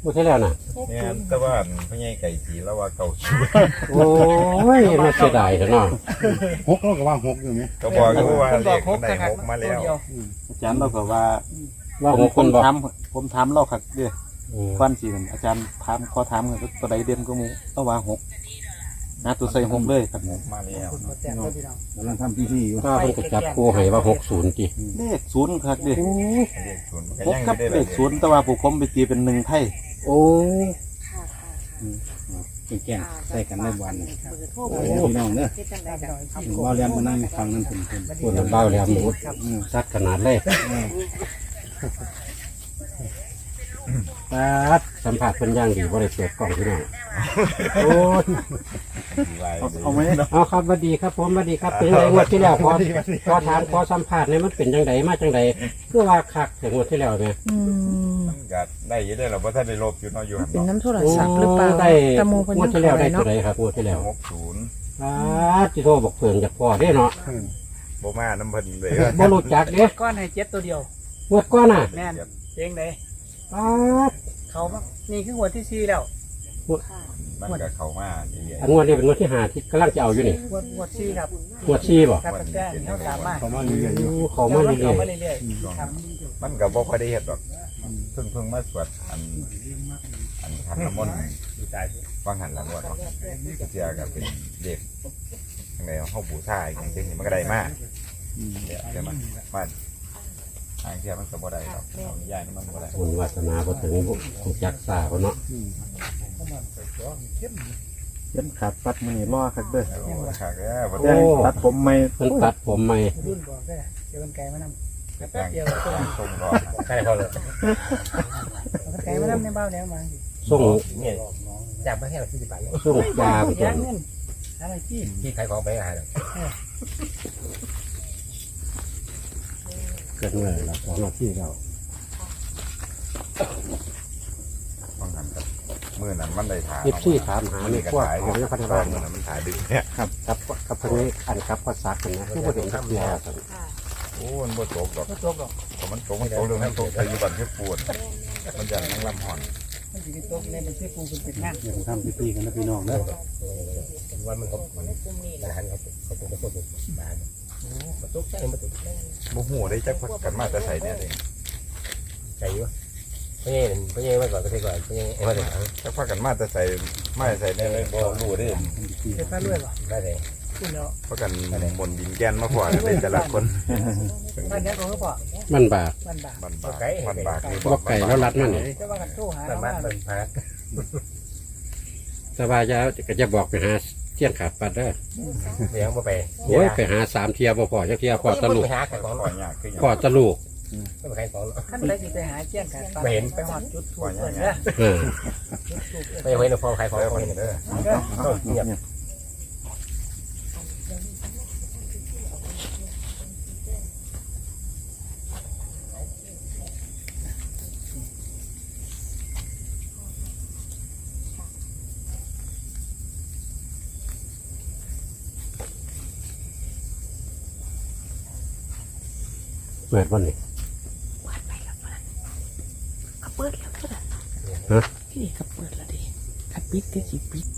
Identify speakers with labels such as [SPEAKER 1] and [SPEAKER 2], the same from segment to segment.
[SPEAKER 1] งวดที่แล้วน่ะ
[SPEAKER 2] เนี่ยแต่ว่าพ่อใหญ่ไก่สีแล้วว่าเก่าชู
[SPEAKER 1] โอ้ยมาเสียดายเถอะเนาะ
[SPEAKER 3] หกเราก็ว่าหกอยู่ไหม
[SPEAKER 2] ก็บอกอยู่ว่า
[SPEAKER 4] คนบ
[SPEAKER 2] เด็
[SPEAKER 4] อก
[SPEAKER 2] ก
[SPEAKER 4] หก
[SPEAKER 2] ได้
[SPEAKER 4] กระหั
[SPEAKER 2] ห
[SPEAKER 4] ก
[SPEAKER 2] กมาแล้ว
[SPEAKER 5] อาจารย์เราก็ว่า
[SPEAKER 1] ว่าหกคนบอก
[SPEAKER 5] ผมถามเราครับเด้อควันสิอาจารย์ถามขอถามกันตัวใดเด่นก็มูต้องว่าหกนะตัวใส่หกเลยครับผม
[SPEAKER 2] มาแล้ว
[SPEAKER 3] กำลังทำพิธีอยู่
[SPEAKER 1] ก็เพิ่นก็จับคู่ให้ว่า60ติ
[SPEAKER 5] เลขศูนย์ครับเด้อ
[SPEAKER 2] เด็กศูนย์มันก็
[SPEAKER 5] หก
[SPEAKER 2] ยัง
[SPEAKER 5] กับ
[SPEAKER 2] ได้
[SPEAKER 5] เลขศูนย์แต่ว่าผู้ผมไปตีเป็นหนึ่งไทย
[SPEAKER 1] โอ้
[SPEAKER 3] แก่ใส่กันในวัน
[SPEAKER 6] เบอร์โทร
[SPEAKER 3] โอ้พี่น้องเด้อ
[SPEAKER 6] เฮ็ดจังไดกัน
[SPEAKER 3] บ่เรียนมานั่งฟังนั่นเป็น
[SPEAKER 1] พูดเบาแล้วหมูซัดขนาดเลยตัดสัมผัสเป็นอย่างดีบ่ได้เปิดกล้องพี่น้องโอ้ย
[SPEAKER 5] เอาไหม
[SPEAKER 1] เอาครับสวัสดีครับผมสวัสดีครับเป็นจังไรงวดที่แล้วขอถามขอสัมผัสเนี่ยมันเป็นจังไดมาจังไดเพื่อว่าคักแต่งวดที่แล้วแม่
[SPEAKER 2] มันก็ได้อยังได้เราเพราะท่านได้ลบอยู่เนาะอยู่หัน
[SPEAKER 6] เป็นน้ำโทรศัพท์หรือเปล่า
[SPEAKER 1] ได้
[SPEAKER 6] ตะโมเพิ่น
[SPEAKER 1] งว
[SPEAKER 6] ยั
[SPEAKER 1] ด
[SPEAKER 6] ง
[SPEAKER 1] ที่แล้ว
[SPEAKER 6] ขอ
[SPEAKER 1] ได้
[SPEAKER 6] ได้
[SPEAKER 1] ตัว
[SPEAKER 6] เนาะ
[SPEAKER 1] ใดครับงวดที่แล้ว
[SPEAKER 2] 60
[SPEAKER 1] ที่โทรบอกเพิ่นจากพ่อได้เนาะ
[SPEAKER 2] บ่มาน้ำเพิ่นเลย
[SPEAKER 1] บ่รู้จักเด้
[SPEAKER 4] ก้อนให้เจ็ดตัวเดียว
[SPEAKER 1] งวดก่อนน่ะ
[SPEAKER 4] แน่นเองไหน
[SPEAKER 1] ป๊าด
[SPEAKER 4] เขามานี่คือหัวที่4แล้ว
[SPEAKER 2] มันก็เข้ามาเรื่อย
[SPEAKER 1] อันงวดนี้เป็นงวดที่5ที่กำลังจะเอาอยู่นี่
[SPEAKER 4] หัว4ครับ
[SPEAKER 1] งวด4บ่
[SPEAKER 4] ครับแต่เขาตามมา
[SPEAKER 3] เขามาเรียนอยู่
[SPEAKER 1] เขามาเรื่
[SPEAKER 4] เขา
[SPEAKER 1] อย
[SPEAKER 4] มาเรื่อยๆครับ
[SPEAKER 2] ๆมันก็บ่ค่อยได้เฮ็ดหรอกเพิ่งมาสวดอันขันน้ำมนต์ฟังหันหลังว่าเนาะเสียก็เป็นเด็กจังได๋เฮาบูชาอย่างจริงมันก็ได้มาเนี่ยใช่มั้ยมาทางเที่ยมันก็บ่ได้หรอกเอาย้ายมันบ่ได้
[SPEAKER 1] ๆบุญวาสนาบ่ถึงรู้จักษาเขาเนาะ
[SPEAKER 5] เล่นขาดปัดมือนี่ล่อครับเด้อ
[SPEAKER 2] โอ้ค่ะแกบ่
[SPEAKER 5] แจ้งตัดผมไม่
[SPEAKER 1] เพิ่นตัดผมใหม่
[SPEAKER 4] รุ่นบอกได้เดี๋ยวมันไกลมานำ
[SPEAKER 2] ได้
[SPEAKER 4] แป๊บเดียว
[SPEAKER 2] ส่งรอ
[SPEAKER 1] ใช่พอเลย
[SPEAKER 4] มันไกลมานำในบ้านแล้วมา
[SPEAKER 1] ส่ง
[SPEAKER 7] เนี่ยจากประเทศเรา40 บาทเนี่ย
[SPEAKER 1] ส่งยาไปจ
[SPEAKER 4] ยาน เงินอะไรที่
[SPEAKER 7] ที่ขายของไปขายเลย
[SPEAKER 1] เกิดเมื่อเรา2นาทีแล้ว
[SPEAKER 2] ฟังหันกับมื้อนั้นมันได้ถาม
[SPEAKER 1] 14ถามหาในพวกของยังพัฒนา
[SPEAKER 2] มื้อนั้นมันถ่ายดึกเนี่ย
[SPEAKER 1] ครับกับเพิ่นนี้อันกับภาษาเพิ่นนะคือบ่เห็นจักเทื่อครับ
[SPEAKER 2] โอ้มันบ่ตกดอก
[SPEAKER 4] ก็ตกดอก
[SPEAKER 2] ถ้ามันตกเรื่องนั้นตกใส่อยู่บ้านเฮ็ดปวดมันจะนั่งลำหอน
[SPEAKER 4] มันสิตกในบัญชีกูเป็นงาน
[SPEAKER 3] เดี๋ยวทำพิธีกันนะพี่น้องเด้อ
[SPEAKER 7] วันมันอาหารเขาเป็นคนบ้านมาตุกใช่มาตุก
[SPEAKER 2] บ่ฮู้ได้จักพักกันมาแต่ใส่เนี่ยเอง
[SPEAKER 7] ใจวะไม่ใช่ไว้ก่อนก็ได้ก่อนไม่ใช่ไว้ก่อน
[SPEAKER 2] จักพักกันมาแต่ใส่ไม่ใส่เนี่ยเลยบ่รู้เด้
[SPEAKER 4] เฮ็ดฟ้าด้วยบ่
[SPEAKER 7] ได้เลย
[SPEAKER 4] คุณแล้ว
[SPEAKER 2] เพราะกันบนดินแกนมาพอกันเลยแต่ละคน
[SPEAKER 4] บ้านนี้ก็พ่อ
[SPEAKER 1] มันบาป
[SPEAKER 4] บ้านบา
[SPEAKER 2] มันบากมันบากนี่
[SPEAKER 1] บ่ไก่แล้วรัดมันนี่
[SPEAKER 4] จะว่ากันโทรหา
[SPEAKER 7] บ้านบ้านพัก
[SPEAKER 1] สบายจะก็จะบอกไปหาเที่ยงขาดปัดเด้อ
[SPEAKER 7] เลี้ยงมาไป
[SPEAKER 1] โอ้ยไปหา3เที่ยบ่พอจักเที่ยพอตะลูก
[SPEAKER 7] ไปหาขายของ
[SPEAKER 2] ปล่อยยากขึ้น
[SPEAKER 1] พอตะลูก
[SPEAKER 7] ไม่ไปขายของ
[SPEAKER 4] ขั้นใดสิไปหาเจียงกันไปหอดจุดถูกเด้อ
[SPEAKER 1] เออ
[SPEAKER 7] ไม่เว้นพอขายของคนนี้
[SPEAKER 2] เด้อ
[SPEAKER 7] เงียบ
[SPEAKER 1] เปิดวันนี้
[SPEAKER 6] เขาเปิดแล้วเท่านั้น
[SPEAKER 1] ฮะ
[SPEAKER 6] พี่เขาเปิดแล้วดิขัดปิดก็สิปิด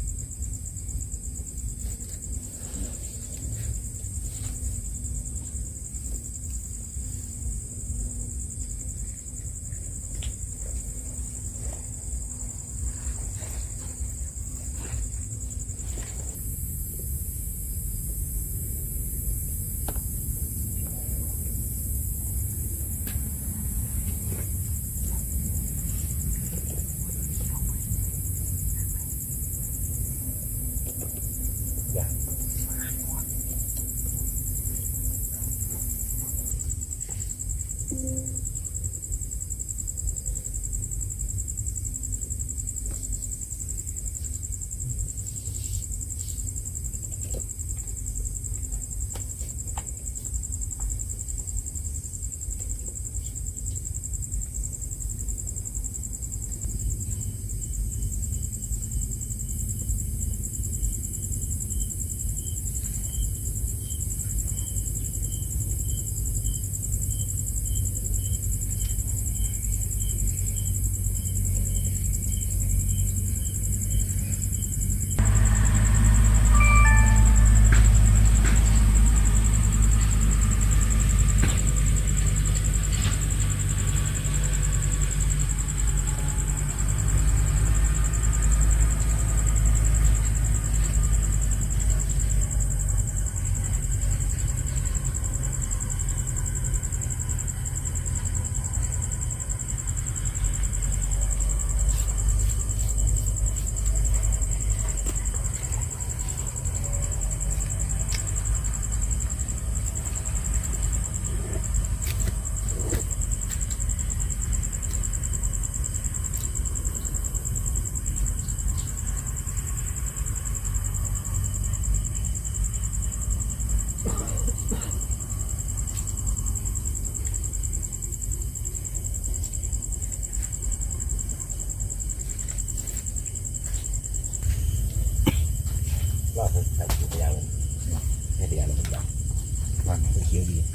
[SPEAKER 7] ว่าผมทำตัวอย่างให้ตัวอย่างมันแบบว่าเขียวดี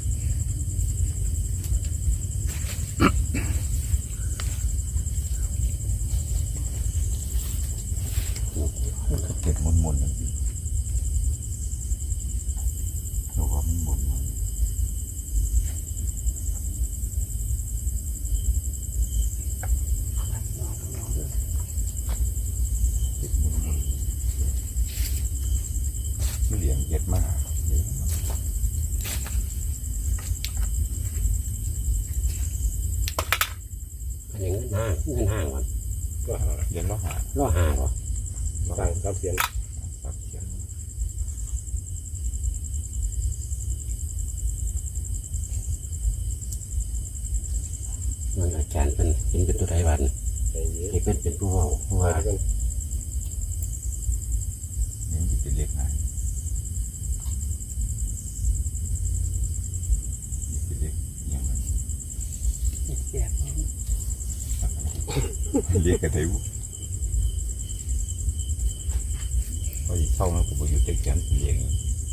[SPEAKER 2] เก็บมุนมุนดูว่ามันมุนเหลี่ยมเย็ดมาก
[SPEAKER 1] อันนี้เงินห้างมัน
[SPEAKER 7] ก็หา
[SPEAKER 2] เหลี่ยมล้อหา
[SPEAKER 1] ล่อหาเหรอ
[SPEAKER 7] สร้างรับเสียง
[SPEAKER 2] ตับเขียน
[SPEAKER 1] มันอาจารย์เป็นตัวใดวัน
[SPEAKER 7] ใจเย็น
[SPEAKER 1] ให้เป็นผู้เว้าเพราะว่า
[SPEAKER 2] นี่มันจะเป็นเล็กไงเป็นเล็กอย่างมัน
[SPEAKER 4] แจก
[SPEAKER 2] เรียกกันเถอะพออีกเข้ามันก็ไปอยู่เจ็กจันเรียก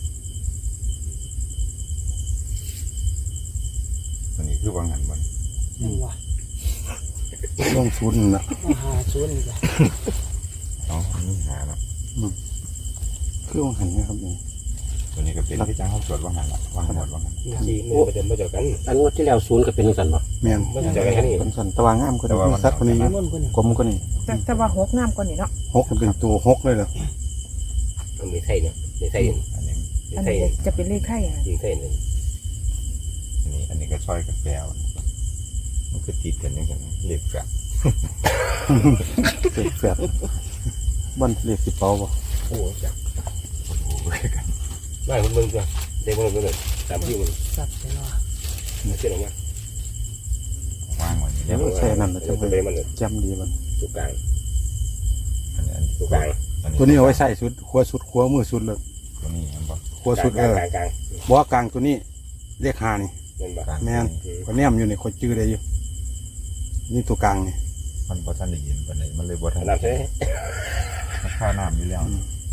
[SPEAKER 2] อันนี้คือวางหันมัน
[SPEAKER 4] ยังวะ
[SPEAKER 3] ต้องศูนย์นะ
[SPEAKER 4] หาศูนย์จ้ะ
[SPEAKER 2] อ๋ออันนี้หาแล้ว
[SPEAKER 3] คือวางหันนะครับนี่
[SPEAKER 2] ตัวนี้ก็เป็นที่จ้างเขาตรวจวางหันละวางหันหมดวางหัน
[SPEAKER 7] จีมือมันจะเจอกัน
[SPEAKER 1] อันงวดที่แล้ว0ก็เป็นจังซั่นบ่
[SPEAKER 3] แม่น
[SPEAKER 7] มันจะเจอกันแค่นี้
[SPEAKER 3] เป็นสันตะวางงามกว่านี้มีสัตว์กว่านี้อยู่
[SPEAKER 4] มุ่นคนนี้
[SPEAKER 3] กลมกว่านี้
[SPEAKER 6] แต่ว่าหกน้ำก่อนนี่เนาะ
[SPEAKER 3] หกเป็นตัวหกเลยเหรอ
[SPEAKER 7] มันมีไทยเนี่ยมีไทย
[SPEAKER 2] อันนี้
[SPEAKER 7] มี
[SPEAKER 6] อัน
[SPEAKER 7] ไทย
[SPEAKER 6] นี้จะเป็นเลขไทยอ่ะ
[SPEAKER 7] ยิงไทยหนึ่ง
[SPEAKER 2] อันนี้ก็ช่อยกับแปลวมันก็ติดกันอย่างนั้นเรียกกัน
[SPEAKER 3] เศษแฝดบ้านเรียกสิเปาบ่
[SPEAKER 7] โอ้จับ
[SPEAKER 2] โอ้โหกัน
[SPEAKER 7] ไม่มึงจ้ะเด็กมึงเลยตามที่มึง
[SPEAKER 4] สับไปเนาะ
[SPEAKER 7] เชื่อหรือไม่
[SPEAKER 2] วางไว้
[SPEAKER 3] แล้วใส่นั่นนะจะ
[SPEAKER 7] จะ
[SPEAKER 3] ไป
[SPEAKER 7] เป็นมัน
[SPEAKER 3] จำดีมัน
[SPEAKER 7] ตัวกลาง
[SPEAKER 2] อันนี้
[SPEAKER 7] ตัวกลาง
[SPEAKER 3] ตัวนี้เอาไว้ใส่สุดขัวสุดขัวมือสุดเลย
[SPEAKER 2] ตัวนี้มันบอก
[SPEAKER 3] ขัวสุด
[SPEAKER 7] กลางกลาง
[SPEAKER 3] บ่กลางตัวนี้เรียกหานี่
[SPEAKER 7] นั่นบ่
[SPEAKER 3] แม่นก็แนมอยู่นี่คนจื้อได้อยู่นี่ตัวกลางนี่
[SPEAKER 2] มันบ่ทันได้ยินปานใดมันเลยบ่ทัน
[SPEAKER 7] น้ำใช่
[SPEAKER 2] มันค่าน้ำอยู่แล้ว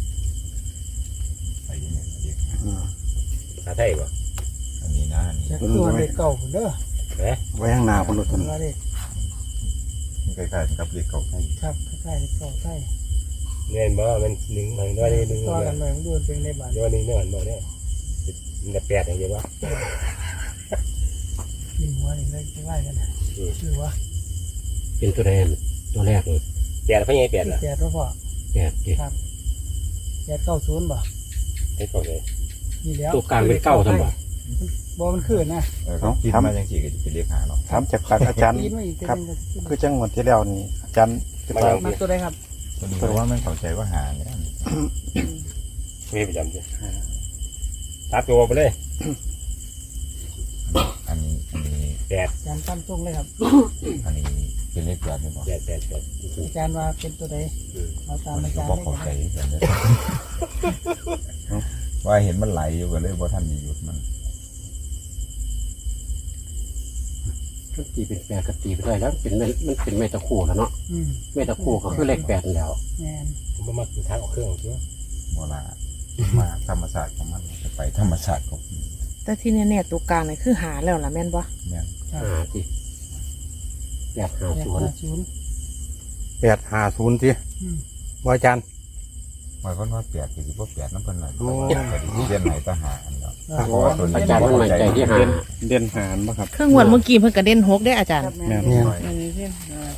[SPEAKER 2] ไปยังไงเรียก
[SPEAKER 7] หาไทยบ่
[SPEAKER 2] อันนี้นะอันนี้
[SPEAKER 4] จะตัวเด็กเก่าเด้อ
[SPEAKER 3] ไว้ข้างหน้าคนรถตัว
[SPEAKER 4] ตัว
[SPEAKER 3] นี้
[SPEAKER 4] เด็ก
[SPEAKER 2] ใกล้ๆกับเรียกเก่าไทย
[SPEAKER 4] ครับใกล้ๆเด็กเก่าใกล้
[SPEAKER 7] เงินบ่มันหนึ่งมันด้วยหนึ่ง
[SPEAKER 4] ตัว
[SPEAKER 7] เล
[SPEAKER 4] กั
[SPEAKER 7] ย
[SPEAKER 4] นไปมันดูเป็นในบ้าน
[SPEAKER 7] ด้วยหนึ่งเนื้อมันบ่เนี่ยมันแปดอย่างเดียวว่า
[SPEAKER 4] กินหัวนี่เลยใกล้กันชื่อว่า
[SPEAKER 1] เป็นตัวแรกตัวแรกเลย
[SPEAKER 7] แปดเขายังแปดล่ะ
[SPEAKER 4] แปดแล้วพ่อ
[SPEAKER 1] แปดดิ
[SPEAKER 4] แปด90บ่
[SPEAKER 7] ไอ้เขาเลย
[SPEAKER 4] นี่แล้ว
[SPEAKER 1] ตัวกลางเป็น9ซั่นบ่
[SPEAKER 4] บ่มันขึ้นนะ
[SPEAKER 2] เขาคิดมาจังซี่ก็จะเป็นเรียกหาเนาะ
[SPEAKER 3] ถามจากปากอาจารย์
[SPEAKER 4] ปีนมาอีก
[SPEAKER 3] ครับ คือจังหวัดที่แล้วนี่อาจารย์จะไป
[SPEAKER 4] มาตัวใดครับ
[SPEAKER 2] ตัวนี้เพราะว่ามันเข้าใจว่าหาเนี่ย
[SPEAKER 7] มีประจำจ้ะตัดตัวไปเลย
[SPEAKER 2] อันนี้
[SPEAKER 7] แปด
[SPEAKER 4] อาจารย์ตั้มตรงเลยครับ
[SPEAKER 2] อันนี้เป็นเลขแปดนี่บ่
[SPEAKER 7] แปดแปดแปด
[SPEAKER 4] อาจารย์ว่าเป็นตัวใดเราตาม
[SPEAKER 2] มัน
[SPEAKER 4] อา
[SPEAKER 2] ก็
[SPEAKER 4] จารย์
[SPEAKER 2] บ่
[SPEAKER 4] ได้
[SPEAKER 2] เข้าใจ
[SPEAKER 4] ไง
[SPEAKER 2] กันเลยว่าเห็นมันไหลอยู่ก็เลยบ่ทันได้หยุดมัน
[SPEAKER 1] ก็ตีเป็นแปดก็ตีไปได้แล้วเป็นมันเป็นเมตะคู่แล้วเนาะ
[SPEAKER 4] อืม
[SPEAKER 1] เมตะคู่ก็คือเลข8นั่นแล้ว
[SPEAKER 4] แม่น
[SPEAKER 7] ผมมาทางออกเครื่องใช่ไหม
[SPEAKER 2] โบราณมาธรรมศาสตร์ของมันจะไปธรรมศาสตร์ของมัน
[SPEAKER 6] แต่ที่แน่ๆตัวกลางนี่คือหาแล้วล่ะแม่นบ่
[SPEAKER 2] เนี่ย
[SPEAKER 1] หาสิ850
[SPEAKER 4] แปด50
[SPEAKER 3] 850ที
[SPEAKER 4] อืม
[SPEAKER 3] ว่าอาจารย์
[SPEAKER 2] หมายความว่าแปดคือว่าแปดน้ำเป็นหน่อย
[SPEAKER 3] โอ้
[SPEAKER 2] แต่ที่เรียนไหนทหารเนาะ
[SPEAKER 4] ครับ
[SPEAKER 2] เพราะว่าตัวนี้
[SPEAKER 1] อาจารย์มันมั่นใจที่หา
[SPEAKER 3] เด่นหารบ่ครับ
[SPEAKER 6] เครื่องงวดเมื่อกี้เพิ่นก็เด่นหกได้อาจารย์
[SPEAKER 4] แม่
[SPEAKER 3] แม่
[SPEAKER 4] น
[SPEAKER 3] น
[SPEAKER 6] อันนี้เพิ่น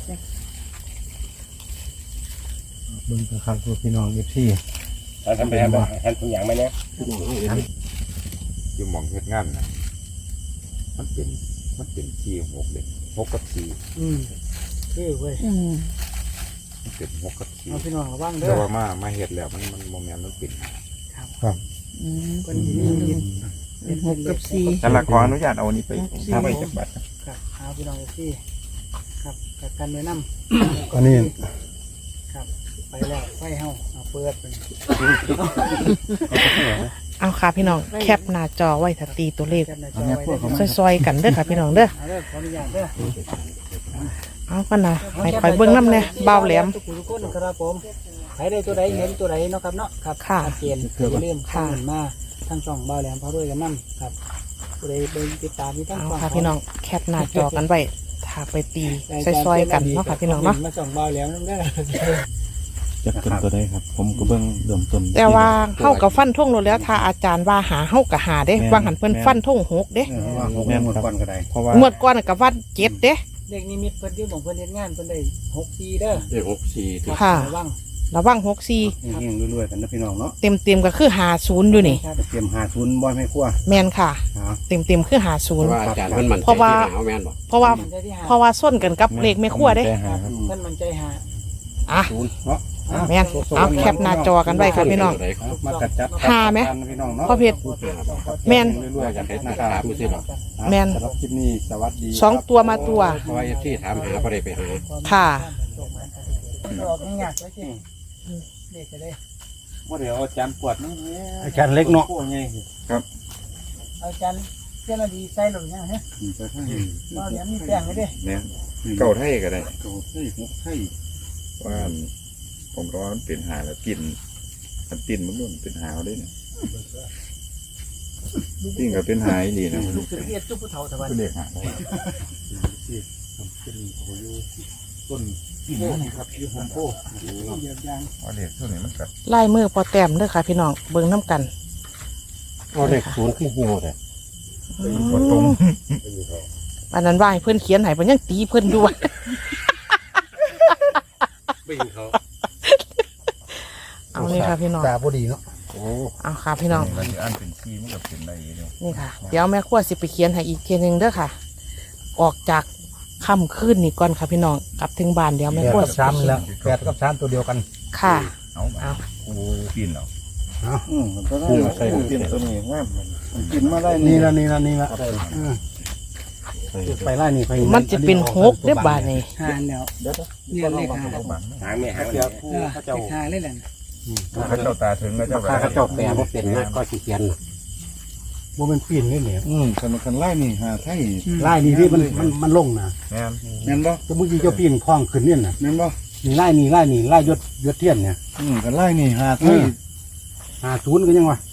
[SPEAKER 3] เบิ่งครับพี่น้อง FC
[SPEAKER 7] ทำไปทำทุกอย่างไหมเนี่ย
[SPEAKER 2] อยู่หมองเฮ็ดงานนะมันเป็นที่6เลย6กับ4
[SPEAKER 4] อืมคือเว้ย
[SPEAKER 6] อืม
[SPEAKER 2] มันเป็น6กับ
[SPEAKER 4] เอาพี่น้องระวัง
[SPEAKER 2] 4
[SPEAKER 4] เด้
[SPEAKER 2] แต่
[SPEAKER 4] อ
[SPEAKER 2] ว่ามาเฮ็ดแล้วมันโมเมนต์มันเป็น
[SPEAKER 6] อืม
[SPEAKER 4] คนที่นี่ยิน
[SPEAKER 6] เป็นหกกับสี่
[SPEAKER 2] แต่ละขออนุญาตเอาอันนี้ไปทำไปจักบัตร
[SPEAKER 4] ครับเอาพี่น้องที่ครับกับการแนะน
[SPEAKER 3] อันนี้
[SPEAKER 4] ำครับไปแล้วไฟเฮาเอาเปิดเป็น
[SPEAKER 6] เอาค่ะพี่น้องแคปหน้าจอไว้ถ้าตีตัวเลข
[SPEAKER 4] แคปหน้าจอไว้ได้
[SPEAKER 6] ซอยๆกันเด้อค่ะพี่น้องเด้อ
[SPEAKER 4] เอาเด้อขออนุญาตเด้อ
[SPEAKER 6] เอากันนะให้คอยเบิ่งน้ำแน่เบาแหลม
[SPEAKER 4] ทุกคนครับผมใครได้ตัวใดเห็นตัวใดเนาะครับเนาะครับ
[SPEAKER 6] ค่ะ
[SPEAKER 4] ชัดเจนอย่าลืม
[SPEAKER 6] ค่ะ
[SPEAKER 4] คอมเมนต์มาทั้งช่องเบาแหลมพอด้วยกันนั่ครับตัวใดเป็นติดตามที่ทั้ง
[SPEAKER 6] เอา
[SPEAKER 4] ช่อง
[SPEAKER 6] ค่ะพี่น้องแคปหน้าจอกันไว้ถ้าไปตีซอยๆกันเนาะค่ะพี่น้องเนาะ
[SPEAKER 4] มาช่องเบาแหลมนั่นได้อ
[SPEAKER 3] จะเป็นตัวใดครับ ผมก็เบิ่งเริ่มต้น
[SPEAKER 6] แต่ว่าเฮากับฟันท่งโลดแล้วถ้าอาจารย์ว่าหาเฮากับหาเด้วางหันเพิ่นฟันท่ง6เด้
[SPEAKER 5] ว่าหกแม่นหมดก่อนก็ได้
[SPEAKER 3] เพราะว่าง
[SPEAKER 6] วดก่อนกับว่า7เด้
[SPEAKER 4] เด็กนิมิตเพิ่นที่ของเพิ่นเฮ็ดงานเพิ่นได้6ปีเด้อ
[SPEAKER 1] เด็ก64ที่
[SPEAKER 6] ค่ะ
[SPEAKER 4] ระวัง
[SPEAKER 6] ระวัง64
[SPEAKER 5] เฮงๆรวยๆกันนะพี่น้องเนาะ
[SPEAKER 6] เต็มๆก็คือ50อยู่นี่
[SPEAKER 4] ครับ
[SPEAKER 5] เตรียม50บ่ให้ครัว
[SPEAKER 6] แม่นค่ะ
[SPEAKER 5] หา
[SPEAKER 6] เต็มๆคือ
[SPEAKER 1] เพราะว่าอาจารย์มันมั่นใจ
[SPEAKER 6] เพราะว่า
[SPEAKER 1] ที่หนาวแม่นบ่
[SPEAKER 6] 50เพราะว่า
[SPEAKER 4] มันใจที่หา
[SPEAKER 6] เพราะว่าส้นกันกับเลขไม่ครัวเด้
[SPEAKER 3] ใจหาครับ
[SPEAKER 4] เพิ่นมันใจหา
[SPEAKER 6] อ่ะ
[SPEAKER 5] เนาะ
[SPEAKER 6] แม่นเอาแคปหน้าจอกันไว้ค่ะพี่น้อง
[SPEAKER 5] มากัดจับ
[SPEAKER 6] หาไหม
[SPEAKER 5] พี่น้องเนาะ
[SPEAKER 6] พ่อเพชรแม่น
[SPEAKER 5] รวยๆกันเฮ็ดนะค
[SPEAKER 1] ถา
[SPEAKER 5] รั
[SPEAKER 1] ม
[SPEAKER 5] บ
[SPEAKER 1] ดูสิหรอก
[SPEAKER 6] แม่น
[SPEAKER 5] สำหรับคลิปนี้สวัสดี
[SPEAKER 6] สองตัวมาตัว
[SPEAKER 1] เพราะว่าที่ถามหาบ่ได้ไปหา
[SPEAKER 6] ค่ะ
[SPEAKER 4] ออกง่ายๆแล้วสิเด็กจะได้
[SPEAKER 5] บ่เดี๋ยวอาจารย์ปวดนี่
[SPEAKER 3] อาจารย์เล็กเนาะ
[SPEAKER 5] โอ้ยไง
[SPEAKER 4] เอาจารย์เจ้าหน้าที่ใส่หรือยังฮะ
[SPEAKER 5] ไปทาง
[SPEAKER 4] เราเดี๋ยวมีแป้งไว้เด้
[SPEAKER 2] เนี่ยเก่าไทยก็ได้
[SPEAKER 5] เก่าไทยหกไทย
[SPEAKER 2] ว่าผมก็ว่ามันเป็นหาแล้วกินมันตินมันนู่นเป็นหาวได้เนี่ยตินก็เป็นหายดีนะลูก
[SPEAKER 4] คือเรียกจุ๊บผู้เฒ่าตะวัน
[SPEAKER 2] เป็นเด็กหา
[SPEAKER 5] ที่ทำเป็นโอ้ยต้นที่นี่นะครับที่โฮมโป
[SPEAKER 4] เยียบยาง
[SPEAKER 2] ว่าเด็กเท่านี้มันกัด
[SPEAKER 6] ลายมือพอแต้มเด้อค่ะพี่น้องเบิ่งน้ำกัน
[SPEAKER 1] เอาเลข0ขึ้นเหี่ยวแต่
[SPEAKER 2] ตัวตรง
[SPEAKER 6] อันนั้นว่าให้เพิ่นเขียนให้เพิ่นยังตีเพิ่นด้วย
[SPEAKER 1] ไม่เห็นเขา
[SPEAKER 6] เอาเลยค่ะพี่น้อง
[SPEAKER 3] ตาบ่ดีเนาะ
[SPEAKER 1] โอ้
[SPEAKER 6] เอาค่ะพี่น้อง
[SPEAKER 2] เราจะอ่านเป็นซีมันกับเป็นอะไรเนี่ย
[SPEAKER 6] นี่ค่ะ เดี๋ยวแม่ครัวสิไปเขียนให้อีกทีหนึงเด้อค่ะ ออกจากค่ำคืนนี่ก่อนค่ะพี่น้องกลับถึงบ้านเดี๋ยวแม่ครัวสิไปเขียน
[SPEAKER 3] 8กับ3ตัวเดียวกัน
[SPEAKER 6] ค่ะ
[SPEAKER 2] เอากูปีนเหรอ
[SPEAKER 5] มันก็ได้ใส่กินตัวนี้งามมันกินมาได้
[SPEAKER 3] นี่
[SPEAKER 5] นี่
[SPEAKER 3] ละนี่ละนี่ละไปไล่นี่ไป
[SPEAKER 6] มันจะเป็น6เด้อบาดนี่
[SPEAKER 4] หาแล้วเนี่ยเลขหา
[SPEAKER 5] หางแม่หางเดียวผู้
[SPEAKER 4] เล
[SPEAKER 5] เขาเจ้า
[SPEAKER 4] ขหาเลยแหละ
[SPEAKER 2] เขาเจ้าตาถึงแล้วเจ้า
[SPEAKER 1] ข้าเขาเจ้าแปลบ่เป็นนะก็สิเขียนน่ะ
[SPEAKER 3] บ่เป็นปีนนี่เนี่ย
[SPEAKER 5] คันไล่นี่หาไทย
[SPEAKER 3] ไล่นี่ที่มันลงนะ
[SPEAKER 2] แม่น
[SPEAKER 5] แม่นบ่
[SPEAKER 3] แต่เมื่อกี้เจ้าปีนคล้องขึ้นเนี่ยน่ะ
[SPEAKER 5] แม่นบ่
[SPEAKER 3] นี่ไล่นี่ไล่นี่ไล่ยศเทียนเนี่ย
[SPEAKER 5] คันไล่นี่หาไทย
[SPEAKER 3] 50ก็ยังวะ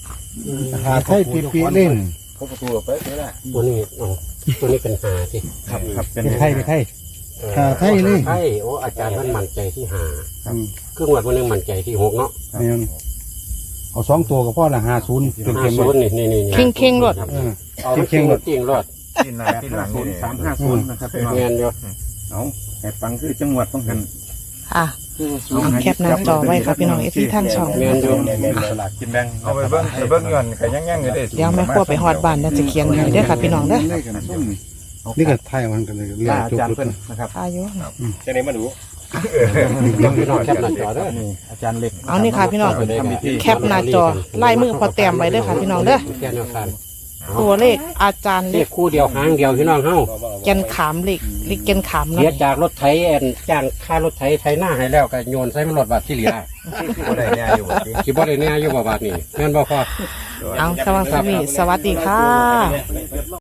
[SPEAKER 3] ปีเล่น
[SPEAKER 5] เขาประตูไปได้ละ
[SPEAKER 1] ตัวนี้อ๋อตัวนี้เป็นหาสิ
[SPEAKER 5] ครับครับเป็น
[SPEAKER 3] เป็นไทย
[SPEAKER 1] ไทยโอ้อาจารย์มันมั่นใจที่หาครึ่งวันวันนึงมั่นใจที่6เนาะ
[SPEAKER 3] เนี่ยเอา2ตัวก็พอละ50เป็นเข็ม
[SPEAKER 1] 50นี่
[SPEAKER 6] เข่งๆรถ
[SPEAKER 1] เอาเข่งรถจริงรถ
[SPEAKER 2] ปีนหน้าปีนหลังนี่
[SPEAKER 5] 350นะครับพี่น้อง
[SPEAKER 1] แม่นอยู่
[SPEAKER 5] เอาแอบฟังคือจังหวัดต้องหัน
[SPEAKER 6] ค่ะเอาแคปหน้าจอไว้ค่ะพี่น้องที่ท่านช่อง
[SPEAKER 1] แม่นอยู่
[SPEAKER 5] สลากกินแบ่ง
[SPEAKER 2] เอาไปเบิ้งเงินก็ยังอยู่ได้
[SPEAKER 6] เดี๋ยวแม่ครัวไปฮอดบ้านแล้วจะเขียนให้เด้อค่ะพี่น้องเด้อ
[SPEAKER 3] นี่ก็ไทยมันกันเลยเรีย
[SPEAKER 5] อาก
[SPEAKER 3] จบ
[SPEAKER 5] จารย์เพิ่นนะครับ
[SPEAKER 6] อายุ
[SPEAKER 5] จะได้มาดู
[SPEAKER 1] พี่น้องแคปหน้าจอเด้อ
[SPEAKER 5] นี่อาจารย์เล็ก
[SPEAKER 6] เอานี่ค่ะพี่น้อง แคปหน้าจอลายมือพอแต้มไว้เด้อค่ะพี่น้องเด้อ
[SPEAKER 1] แค่แนวทาง
[SPEAKER 6] ตัวเลขอาจารย์
[SPEAKER 1] เล
[SPEAKER 6] เล็
[SPEAKER 1] ข
[SPEAKER 6] ก
[SPEAKER 1] คู่เดียวหางเดียวพี่น้องเฮา
[SPEAKER 6] แกนขามเลขแกนขาม
[SPEAKER 1] เสีย
[SPEAKER 6] เนาะ
[SPEAKER 1] จากรถไถจ้างค่ารถไถหน้าให้แล้วก็โยนใส่มันรถบาทที่เหลือ
[SPEAKER 2] บ่ได้เนี่ยอยู่
[SPEAKER 1] คิดบ่ได้แน่อยู่บ่บาทนี่แม่นบ่พอ
[SPEAKER 6] เอาสวัสดีค่ะ